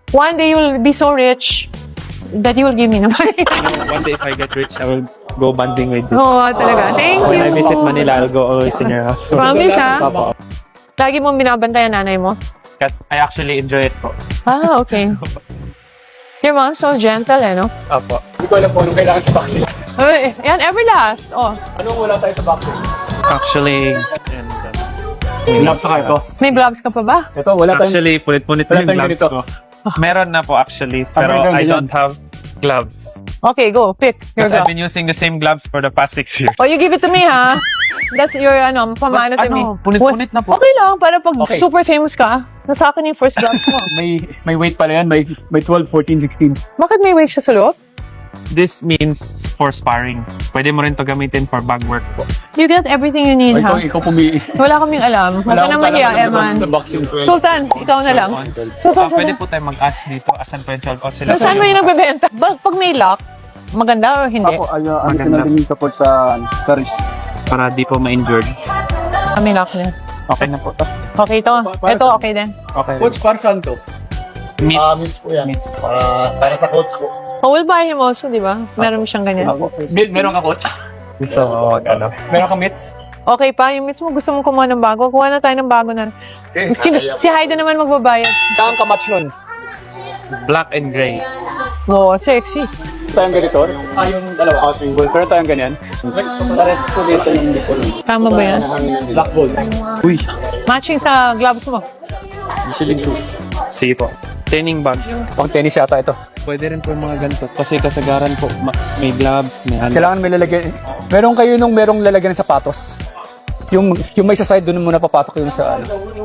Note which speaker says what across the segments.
Speaker 1: One day you'll be so rich that you will give me the money.
Speaker 2: One day if I get rich, I will go bonding with you.
Speaker 1: Oo, talaga. Thank
Speaker 2: When I
Speaker 1: you.
Speaker 2: visit Manila, I'll go always in your house.
Speaker 1: Promise, ha?
Speaker 2: Opo.
Speaker 1: Lagi mong binabantayan nanay mo?
Speaker 2: I actually enjoy it po.
Speaker 1: Ah, okay. Your mom's so gentle, eh, no?
Speaker 2: Opo.
Speaker 3: Hindi ko alam kung anong kailangan sa vaccine.
Speaker 1: Uy, yan, Everlast. Oh,
Speaker 3: Anong wala tayo sa vaccine?
Speaker 2: Actually, and,
Speaker 3: Gloves sa ito.
Speaker 1: may gloves ka pa ba?
Speaker 3: Ito, wala tayong...
Speaker 2: actually, punit-punit na
Speaker 3: Wala
Speaker 2: yung
Speaker 3: tayong
Speaker 2: gloves
Speaker 3: ganito.
Speaker 2: ko. Meron na po actually, pero
Speaker 3: meron
Speaker 2: I
Speaker 3: din
Speaker 2: don't
Speaker 3: yan.
Speaker 2: have gloves.
Speaker 1: Okay, go. Pick your
Speaker 2: Because I've
Speaker 1: glove.
Speaker 2: been using the same gloves for the past 6 years.
Speaker 1: Oh, you give it to me, ha? That's your, pamana to me.
Speaker 2: Punit-punit na po.
Speaker 1: Okay lang, para pag
Speaker 3: Okay.
Speaker 1: super famous ka, nasa akin yung first gloves mo.
Speaker 3: May weight pala yan. May 12, 14, 16.
Speaker 1: Bakit may weight siya sa loob?
Speaker 2: This means for sparring. Pwede mo rin to gamitin for bag work po.
Speaker 1: You get everything you need, ha?
Speaker 3: Ikaw pumili.
Speaker 1: Wala kaming alam. Huwag ka na mahiya, Eman.
Speaker 3: Sa vaccine.
Speaker 1: Sultan, ikaw na lang. Sultan,
Speaker 2: Pwede po tayo mag-ask dito. Asan po yung 12 o sila?
Speaker 1: Saan mo yung nagbebenta? Pag may lock, maganda o hindi?
Speaker 3: Ako, ano ko
Speaker 2: Maganda.
Speaker 3: na din yung support sa wrist.
Speaker 2: Para di po ma-injured.
Speaker 1: May lock na.
Speaker 2: Okay na po to.
Speaker 1: Okay to. Ito, okay din.
Speaker 2: Okay.
Speaker 3: Coach, para saan to?
Speaker 2: Meats.
Speaker 4: Meats po yan. Para sa coach po.
Speaker 1: Oh, we'll buy him also, di ba? Meron siyang ganyan.
Speaker 3: Meron ka, coach?
Speaker 2: Gusto mo ano?
Speaker 3: Meron ka mitts?
Speaker 1: Okay pa, yung miss mo gusto mong kumuha ng bago, kuha na tayo ng bago na.
Speaker 3: Okay.
Speaker 1: Si Haida naman magbabayad.
Speaker 3: Saan ka match nun?
Speaker 2: Black and gray.
Speaker 1: Oo, sexy.
Speaker 3: Tayong ganito? Yung dalawa. Pero tayong ganyan. Pares ko dito yung likod.
Speaker 1: Tama ba yan?
Speaker 3: Black ball.
Speaker 2: Uy.
Speaker 1: Matching sa gloves mo.
Speaker 3: Michelin shoes.
Speaker 2: Sige po. Training bag.
Speaker 3: Pang tennis yata ito.
Speaker 2: Pwede rin po yung mga ganito. Kasi kasagaran po, may gloves, may ano.
Speaker 3: Kailangan may lalagyan. Meron kayo nung merong lalagyan ng sapatos. Yung may sa side doon muna papasok yung sa ano.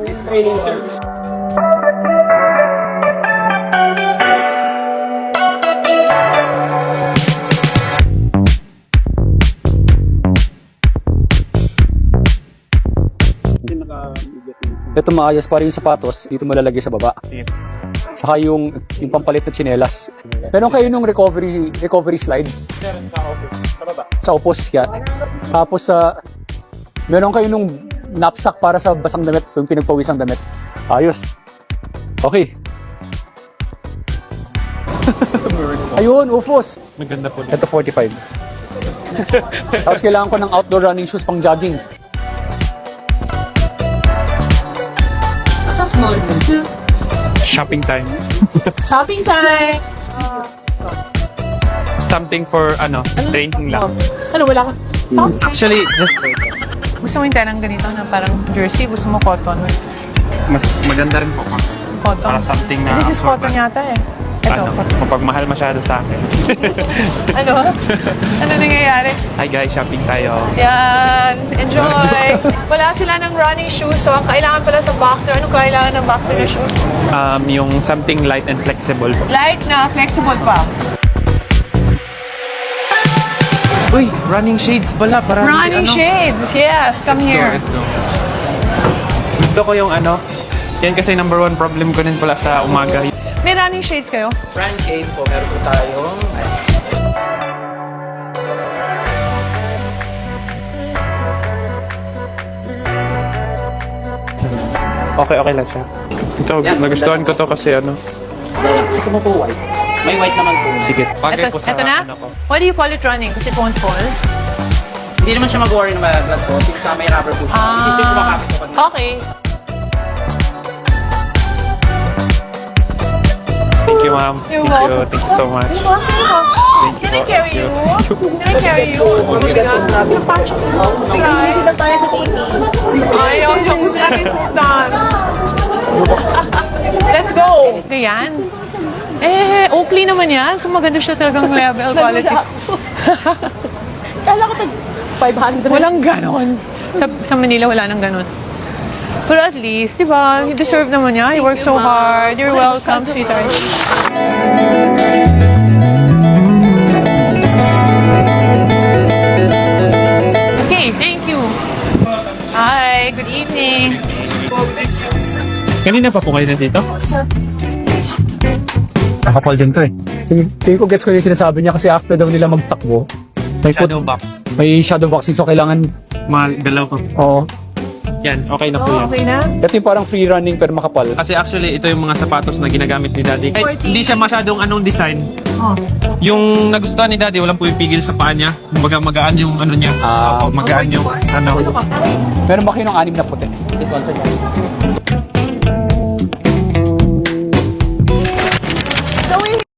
Speaker 3: Ito maayos para yung sapatos, dito mo lalagay sa baba.
Speaker 2: Sige.
Speaker 3: Saka yung pampalit na tsinelas. Meron kayo nung recovery slides.
Speaker 2: Sa baba.
Speaker 3: Sa upos yan. Tapos meron kayo nung knapsack para sa basang damit, yung pinagpawisang damit. Ayos. Okay. Ayun, ufos.
Speaker 2: Maganda po dito.
Speaker 3: Ito 45. Tapos kailangan ko ng outdoor running shoes pang jogging.
Speaker 2: Shopping time.
Speaker 1: Shopping time!
Speaker 2: Something for training lang.
Speaker 1: Ano, wala ka?
Speaker 2: Actually, just
Speaker 1: Gusto mo yung tenang ganito na parang jersey? Gusto mo cotton?
Speaker 2: mas maganda rin po.
Speaker 1: Cotton?
Speaker 2: Para something na
Speaker 1: This is cotton yata eh. Ito, cotton.
Speaker 2: mapagmahal masyado sa akin.
Speaker 1: Ano? Ano nangyayari?
Speaker 2: Hi guys, shopping tayo.
Speaker 1: Yan! Enjoy! Wala sila ng running shoes, so ang kailangan pala sa boxer. Anong kailangan ng boxer na shoes?
Speaker 2: Yung something light and flexible po.
Speaker 1: Light na, flexible pa.
Speaker 2: Uy, running shades pala. Para
Speaker 1: Running shades! Yes, come here.
Speaker 2: Let's go. Gusto ko yung yan kasi number one problem ko din pala sa umaga.
Speaker 1: May running shades kayo?
Speaker 2: Running shades po, meron po tayo. Okay lang siya. Ito, nagustuhan ko to kasi
Speaker 4: Gusto mo po white? May white naman po.
Speaker 2: sige. Bagay po sa
Speaker 1: Ito na?
Speaker 2: ko.
Speaker 1: What do you call it running? Kasi it won't fall?
Speaker 4: Hindi naman siya mag-worry na malaglag po. Since may rubber po siya. Isisip ko makapit ko pag
Speaker 1: Okay.
Speaker 2: Thank you, ma'am.
Speaker 1: You're
Speaker 2: Thank you.
Speaker 1: welcome.
Speaker 2: Thank you so much.
Speaker 1: Thank you. Can I carry you? Can I carry you? Oh my God. Napatch ko. Sige.
Speaker 5: tayo sa TV.
Speaker 1: Ayaw, yung gusto natin sultan. Let's go! Yan. Oakley naman yan. So maganda siya talagang level quality.
Speaker 5: Kala ko tag 500.
Speaker 1: Walang ganon. Sa Manila, wala nang ganon. Pero at least, di ba, you deserve naman niya. You work so hard. You're welcome, sweetheart. Okay, thank you. Hi, good evening.
Speaker 2: Kanina pa po kayo nandito?
Speaker 3: Nakapal din to eh. Tingin ko gets ko yung sinasabi niya kasi after daw nila magtakbo, may
Speaker 2: Shadow box.
Speaker 3: may shadow boxing so kailangan
Speaker 2: Magalaw ko.
Speaker 3: oo.
Speaker 2: Yan, okay na po yan.
Speaker 1: Okay na?
Speaker 3: Ito yung parang free running pero makapal.
Speaker 2: Kasi actually, ito yung mga sapatos na ginagamit ni Daddy. Kahit hindi siya masyadong anong design.
Speaker 1: Oh.
Speaker 2: Yung nagustuhan ni Daddy, walang pumipigil sa paa niya. Kumbaga magaan yung ano niya.
Speaker 3: Ah.
Speaker 2: Magaan yung ano.
Speaker 3: Meron ba kayo ng 6 na puti?
Speaker 4: This one, sir.